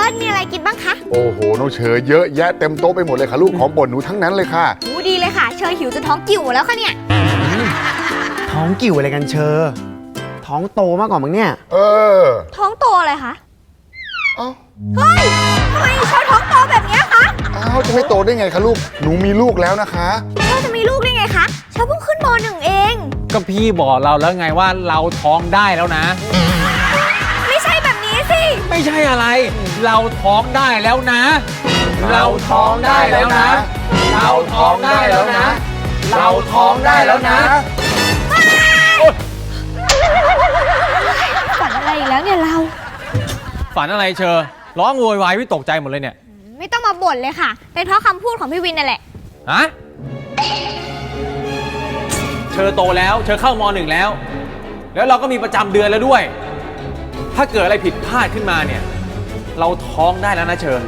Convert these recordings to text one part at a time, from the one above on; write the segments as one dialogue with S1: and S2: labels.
S1: สมีอะไรกินบ้างคะ
S2: โอ้โหน้องเชอเยอะแยะเต็มโต๊ะไปหมดเลยค่ะลูกของโปรดหนูทั้งนั้นเลยค่ะ
S1: ดีเลยค่ะเชยหิวจนท้องกิ่วหมดแล้วค่ะเนี่ย
S3: ท้องกิ่วอะไรกันเชอท้องโตมากกว่ามึงเนี่ย
S1: ท้องโตอะไรคะ
S2: เอ้า
S1: เฮ้ยทำไมเชยท้องโตแบบนี้คะ
S2: จะไม่โตได้ไงคะลูกหนูมีลูกแล้วนะคะ
S1: เชยจะมีลูกได้ไงคะเชยเพิ่งขึ้นม.1 เอง
S4: ก็พี่บอกเราแล้วไงว่าเราท้องได้แล้วนะ
S1: ไม่ใช่แบบนี้สิ
S4: ไม่ใช่อะไรเราท้องได้แล้วนะเราท้องได้แล้วนะเราท้องได้แล้วนะเราท้องได้แล้วนะ
S1: ฝันอะไรอีกแล้วเนี่ยเรา
S4: ฝันอะไรเชอร้องโวยวายพี่ตกใจหมดเลยเนี่ย
S1: ไม่ต้องมาบ่นเลยค่ะเป็นเพราะคำพูดของพี่วินนั่นแหละ
S4: ฮะเชอโตแล้วเชอเข้าม.1แล้วเราก็มีประจำเดือนแล้วด้วยถ้าเกิดอะไรผิดพลาดขึ้นมาเนี่ยเราท้องได้แล้วนะเชอ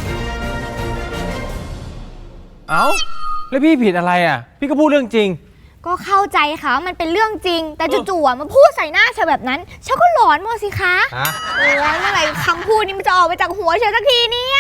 S4: เอ้าแล้วพี่ผิดอะไรอ่ะพี่ก็พูดเรื่องจริง
S1: ก็เข้าใจค่ะมันเป็นเรื่องจริงแต่จู่ๆมาพูดใส่หน้าเชอแบบนั้นเชอก็หลอนหมดสิคะโอ้ยเมื่อไหร่คำพูดนี้มันจะออกไปจากหัวเชอสักทีเนี่ย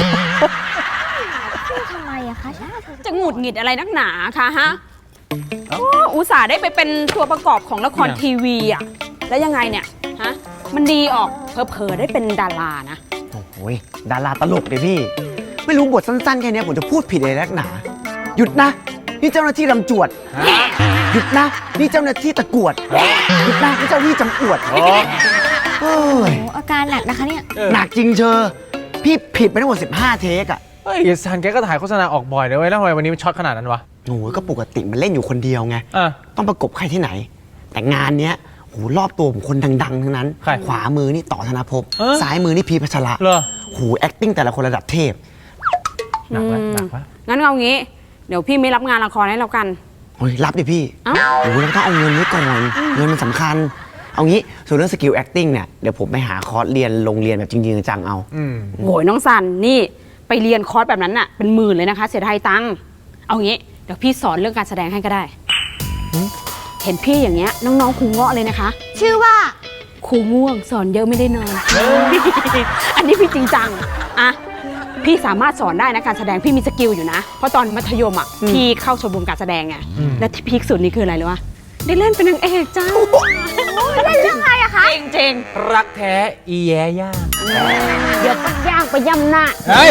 S1: ทำไมอะคะ
S5: จะหงุดหงิดอะไรนักหนาคะฮะอุตส่าห์ได้ไปเป็นตัวประกอบของละครทีวีอะแล้วยังไงเนี่ยฮะมันดีออกเผลอๆได้เป็นดารานะ
S3: โอ้ยดาราตลกเลยพี่ไม่รู้บทสั้นๆแค่นี้ผมจะพูดผิดอะไรนักหนาหยุดนะนี่เจ้าหน้าที่ลำจวดหยุดนะนี่เจ้าหน้าที่ตะกวดหยุดนะนี่เจ้าหน้าที่จำอวด
S1: โอ้อาการหนักนะคะเนี่ย
S3: หนักจริงเชอพี่ผิดไปทั้งหมด15 เทคอะ
S4: เฮ้ยซันแกก็ถ่ายโฆษณาออกบ่อยเลยเว้ยแล้วทำไมวันนี้มันช็อตขนาดนั้นวะ
S3: โอ้ยก็ปกติมันเล่นอยู่คนเดียวไงต้องประกบใครที่ไหนแต่งานเนี้ยโหรอบตัวผมคนดังๆทั้งนั้นขวามือนี่ต่อธนภพซ้ายมือนี่พีพัชระโห acting แต่ละคนระดับเทพ
S4: หนักวะ
S5: งั้นเอางี้เดี๋ยวพี่ไม่รับงานละครให้เรากัน
S3: โอ้ยรับดิพี่โอ้ยเราต้องเอาเงินไว้ก่อนเงินมันสำคัญเอางี้ส่วนเรื่องสกิล acting เนี่ยเดี๋ยวผมไปหาคอร์สเรียนโรงเรียนแบบจริงๆจังเอา
S5: โหยน้องซันนี่ไปเรียนคอร์สแบบนั้นน่ะเป็นหมื่นเลยนะคะเสียดายตังค์เอางี้เดี๋ยวพี่สอนเรื่องการแสดงให้ก็ได้เห็นพี่อย่างเงี้ยน้องๆครูเงาะเลยนะคะ
S1: ชื่อว่า
S5: ครูง่วงสอนเยอะไม่ได้นอนอันนี้พี่จริงจังอะพี่สามารถสอนได้นะการแสดงพี่มีสกิลอยู่นะเพราะตอนมัธยมอ่ะพี่เข้าชมรมการแสดงไงและที่พีคสุดนี่คืออะไรรู้ปะได้เล่นเป็นนางเอกจ้า
S1: เล่นเรื่องอะไรอะคะ
S5: จริง
S4: รักแท้อีแย่ย่า
S5: เดี๋ยวปักย่างไปย่ำหน้า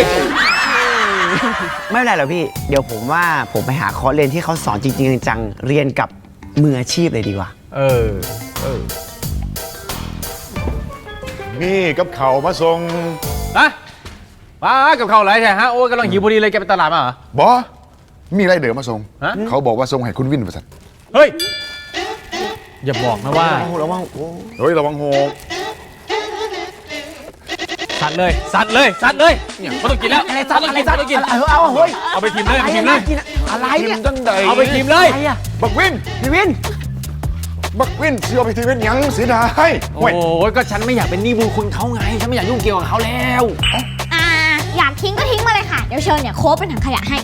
S3: ไม่เป็นไรหรอกพี่เดี๋ยวผมว่าผมไปหาคอร์สเรียนที่เขาสอนจริงๆจังเรียนกับมืออาชีพเลยดีกว่า
S2: นี่กับเขามาส่ง
S4: มากับเขาอะไรใช่ฮะโอ้ยกำลังหิวพอดีเลยแกไปตลาดมาเหร
S2: อบอมีอะไรเดี๋ยวมาส่งเขาบอกว่าส่งให้คุณวินประสัน
S4: เฮ้ยอย่าบอกนะว่า
S3: ระวัง
S2: เฮ้ยระวังโห
S4: สัตว์เลยเนี่ยเขาต้องกินแล้ว
S3: อะไรสัตว์
S4: ต้องกิน
S3: เอาเฮ้ย
S4: เอาไปทิมเลย
S3: อะไรเนี่ย
S4: เอาไปทิมเลย
S2: บักวิน
S3: พี่วิน
S2: เชื่อไปทีวินยังเสียดาย
S4: โอ้ยก็ฉันไม่อยากเป็นหนี้บุญคุณเขาไงฉันไม่อยากยุ่งเกี่ยวกับเขาแล้ว
S1: อยากทิ้งก็ทิ้งมาเลยค่ะเดี๋ยวเชิญเนี่ยโค้ชเป็นถังขยะให้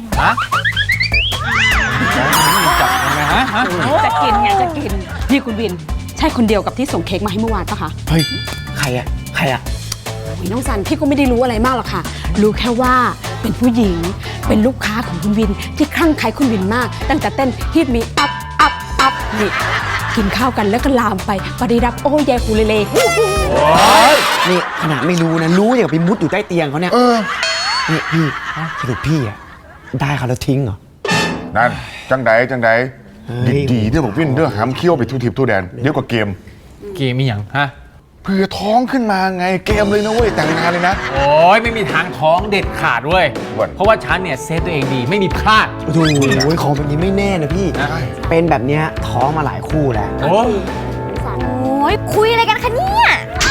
S4: จับยังไงฮะ
S5: จะกินนี่คุณวินใช่คนเดียวกับที่ส่งเค้กมาให้เมื่อวานปะคะ
S3: เฮ้ยใครอะ
S5: น้องซันพี่ก็ไม่ได้รู้อะไรมากหรอกค่ะรู้แค่ว่าเป็นผู้หญิงเป็นลูกค้าของคุณวินที่คลั่งไคล้คุณวินมากตั้งแต่เต้นฮิตมีอัพนี่กินข้าวกันแล้วก็ลามไปปฏิรับโอ้ยายคูเลเล่
S3: นี่ขนาดไม่รู้นะรู้อย่างไปมุดอยู่ใต้เตียงเขาเนี่ยนี่พี่สรุปพี่อะได้เขาแล้วทิ้งเหรอ
S2: นั่นจังใดดีๆเรื่องบอกวินเรื่องหามเคี้ยวไปทุทิพทุแดนเดี๋ยวกับเกม
S4: มีอย่างฮะ
S2: เพื่อท้องขึ้นมาไงเกมเลยนะเว้ยแต่งงานเลยนะ
S4: โอ้ยไม่มีทางท้องเด็ดขาดเว้ยเพราะว่าฉันเนี่ยเซฟตัวเองดีไม่มีพลาด
S3: โอ้ยของแบบนี้ไม่แน่นะพี่เป็นแบบนี้ท้องมาหลายคู่แล้ว
S1: โอ้ยคุยอะไรกันคะเนี่ย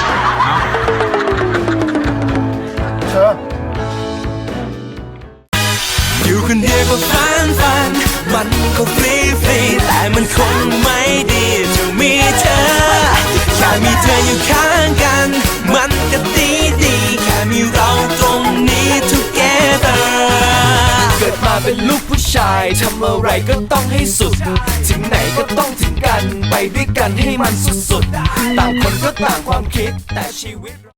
S6: อยู่คนเดียวก็ฟันมันก็ฟรีแต่มันคงไม่ดีจะมีเธอแค่มีเธออยู่ข้างกันมันก็ดีแค่มีเราตรงนี้ together เกิดมาเป็นลูกผู้ชายทำอะไรก็ต้องให้สุดถึงไหนก็ต้องถึงกันไปด้วยกันให้มันสุดๆต่างคนก็ต่างความคิดแต่ชีวิต